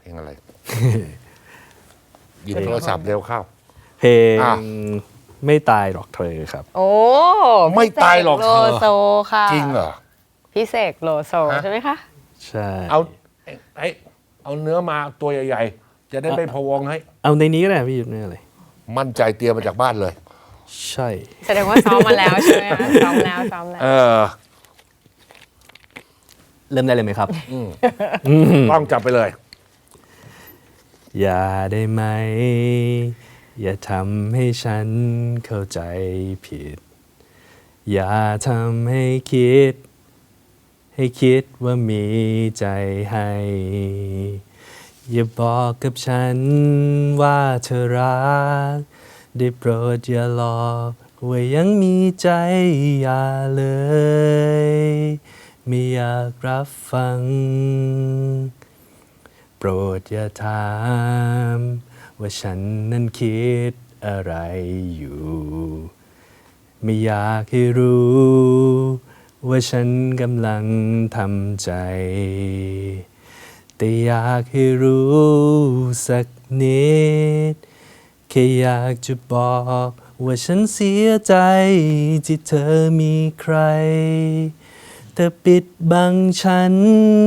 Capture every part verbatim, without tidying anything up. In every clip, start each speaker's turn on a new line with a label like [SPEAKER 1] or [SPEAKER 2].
[SPEAKER 1] เพลงอะไร หยิบโทรศัพท์เร็วเข้า
[SPEAKER 2] เพลง
[SPEAKER 1] อ่ะ
[SPEAKER 2] ไม่ตายหรอกเธอครับ
[SPEAKER 3] โอ้
[SPEAKER 1] ไม่ตายหรอกเธอ
[SPEAKER 3] โลโซค่ะ
[SPEAKER 1] จริงเหรอ
[SPEAKER 3] พี่เสกโลโซ
[SPEAKER 1] ฮะ
[SPEAKER 3] ใช่ไหมคะ
[SPEAKER 2] ใช่
[SPEAKER 1] เอาไอ้เอาเนื้อมาตัวใหญ่ๆ จะได้ไม่พะวงให้
[SPEAKER 2] เอาในนี้ก็ได้พี่ยุทธนี่อะไร
[SPEAKER 1] มั่นใจเตรียมมาจากบ้านเลย
[SPEAKER 2] ใช่
[SPEAKER 3] แสดงว่าซ้อมมาแล้วใช่ไหมคะซ้อมแล้วซ้อมแล้ว
[SPEAKER 1] เออ
[SPEAKER 2] เริ่มได้เลยไหมครับ
[SPEAKER 1] ต้องจับไปเลย
[SPEAKER 2] อย่าได้ไหม อย่าทำให้ฉันเข้าใจผิด อย่าทำให้คิด ให้คิดว่ามีใจให้ อย่าบอกกับฉันว่าเธอรัก ได้โปรดอย่าหลอกว่ายังมีใจอย่าเลย ไม่อยากรับฟัง โปรดอย่าถามว่าฉันนั้นคิดอะไรอยู่ ไม่อยากให้รู้ว่าฉันกำลังทำใจ แต่อยากให้รู้สักนิด แค่อยากจะบอกว่าฉันเสียใจที่เธอมีใคร แต่ปิดบังฉัน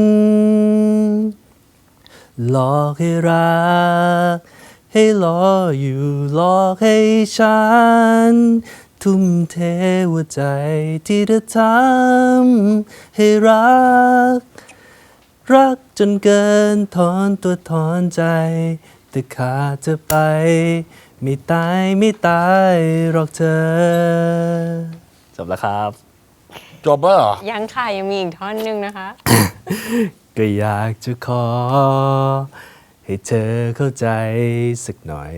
[SPEAKER 2] หลอกให้รัก ให้รออยู่หลอกให้ฉัน ทุ่มเทหัวใจที่เธอทำให้รัก รักจนเกินถอนตัวถอนใจ แต่ขาดเธอไป ไม่ตายไม่ตายหรอกเธอ จบแล้วครับ
[SPEAKER 1] จบแล้วเหรอ
[SPEAKER 3] ยังค่ะยังมีอีกท่อนหนึ่งนะคะ
[SPEAKER 2] ก็อยากจะขอ ให้เธอเข้าใจสักหน่อย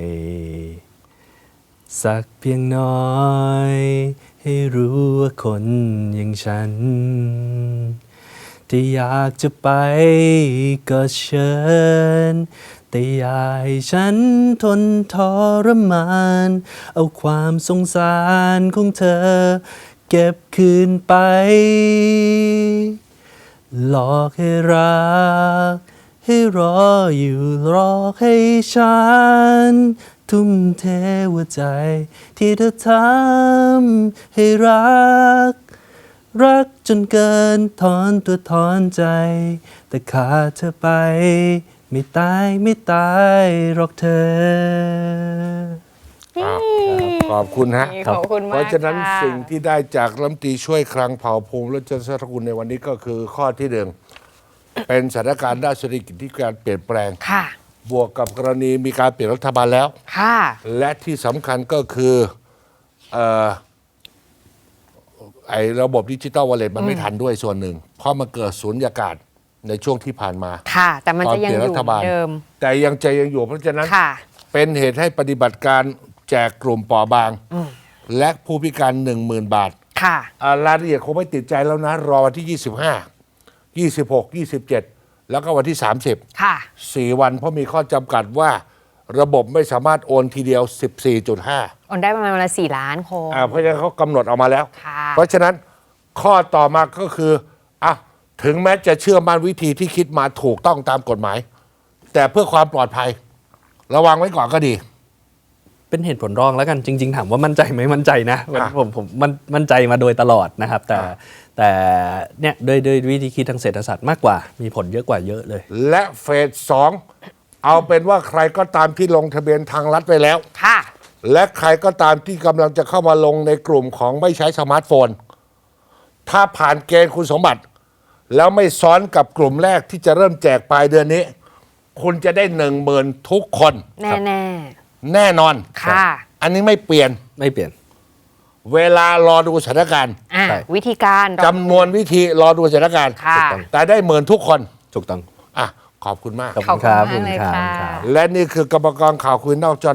[SPEAKER 2] สักเพียงน้อย ให้รู้ว่าคนอย่างฉัน ที่อยากจะไปก็เชิญ แต่อย่าให้ฉันทนทรมาน เอาความสงสารของเธอ เก็บคืนไป หลอกให้รัก ให้รออยู่รอให้ฉัน ทุ่มเทหัวใจที่เธอทำให้รัก รักจนเกินถอนตัวถอนใจ แต่ขาดเธอไป ไม่ตายไม่ตายหรอกเธอ
[SPEAKER 1] อ้าวขอบคุณฮะ
[SPEAKER 3] ขอบคุณมาก
[SPEAKER 1] เพราะฉะนั้น
[SPEAKER 3] ค่
[SPEAKER 1] สิ่งที่ได้จากรัฐมนตรีช่วยคลังเผ่าภูมิและเจริญสกุลในวันนี้ก็คือข้อที่หนึ่ง เป็นสถานการณ์ด้านเศรษฐกิจที่การเปลี่ยนแปลง
[SPEAKER 3] ค่ะ
[SPEAKER 1] บวกกับกรณีมีการเปลี่ยนรัฐบาลแล้ว
[SPEAKER 3] ค่ะ
[SPEAKER 1] และที่สำคัญก็คือเอ่อไอ้ระบบดิจิตอลวอลเล็ตมันไม่ทันด้วยส่วนหนึ่ง เพราะมันเกิดสูญญากาศในช่วงที่ผ่านมา
[SPEAKER 3] ค่ะ แต่มัน
[SPEAKER 1] ตอน
[SPEAKER 3] จะยัง
[SPEAKER 1] เปลี่ยน
[SPEAKER 3] อ
[SPEAKER 1] รั
[SPEAKER 3] ยู่
[SPEAKER 1] ฐบาล
[SPEAKER 3] เดิม
[SPEAKER 1] แต่ยังใจยังอยู่เพราะฉะนั้น
[SPEAKER 3] ค่ะ
[SPEAKER 1] เป็นเหตุให้ปฏิบัติการแจกกลุ่มเปราะบาง และผู้พิการหนึ่งหมื่นบาท
[SPEAKER 3] ค่ะ
[SPEAKER 1] อ่ารายละเอียดคงไม่ติดใจแล้วนะ รอวันที่ ยี่สิบห้า ยี่สิบหก ยี่สิบเจ็ด แล้วก็วันที่ สามสิบ
[SPEAKER 3] ค่ะ
[SPEAKER 1] สี่วันเพราะมีข้อจำกัดว่าระบบไม่สามารถโอนทีเดียว สิบสี่จุดห้า
[SPEAKER 3] โอนได้ประมาณวันละสี่ล้านคน
[SPEAKER 1] อ่าเพราะฉะนั้นเขากำหนดออกมาแล้ว
[SPEAKER 3] ค่ะ
[SPEAKER 1] เพราะฉะนั้นข้อต่อมาก็คืออ่ะถึงแม้จะเชื่อมั่นวิธีที่คิดมาถูกต้องตามกฎหมาย แต่เพื่อความปลอดภัย ระวังไว้ก่อนก็ดี
[SPEAKER 2] เป็นเหตุผลรองแล้วกันจริง ๆ ถามว่ามั่นใจไหมมั่นใจนะ
[SPEAKER 1] อ่ะ
[SPEAKER 2] ผมผมมันมั่นใจมาโดยตลอดนะครับ แต่
[SPEAKER 1] อ่ะ
[SPEAKER 2] แต่เนี่ยโดยโดยวิธีคิดทางเศรษฐศาสตร์มากกว่า มีผลเยอะกว่าเยอะเลย
[SPEAKER 1] และเฟสสองเอาเป็นว่าใครก็ตามที่ลงทะเบียนทางรัฐไปแล้ว
[SPEAKER 3] ค่ะ
[SPEAKER 1] และใครก็ตามที่กำลังจะเข้ามาลงในกลุ่มของไม่ใช้สมาร์ทโฟน ถ้าผ่านเกณฑ์คุณสมบัติ แล้วไม่ซ้อนกับกลุ่มแรกที่จะเริ่มแจกปลายเดือนนี้ คุณจะได้หนึ่งหมื่นทุกคน
[SPEAKER 3] แน่แน่
[SPEAKER 1] แน่นอน
[SPEAKER 3] ๆค่ะ
[SPEAKER 1] อันนี้ไม่เปลี่ยน
[SPEAKER 2] ไม่เปลี่ยน
[SPEAKER 1] เวลารอดูสถานการณ์
[SPEAKER 3] อ่ะ
[SPEAKER 2] ใช่
[SPEAKER 3] วิธีการเรา
[SPEAKER 1] จำนวนวิธีรอดูสถานการณ์
[SPEAKER 3] ค่ะ
[SPEAKER 1] แต่ได้หมื่นทุกคน
[SPEAKER 2] ถูกต้อง
[SPEAKER 1] อ่ะขอบคุณมาก
[SPEAKER 2] ขอบคุณครับ
[SPEAKER 3] ขอบคุณมากเลย
[SPEAKER 2] ขอบณ
[SPEAKER 3] ค่ะ
[SPEAKER 2] รับ
[SPEAKER 1] และนี่คือกรรมกรข่าวคุยนอกจอ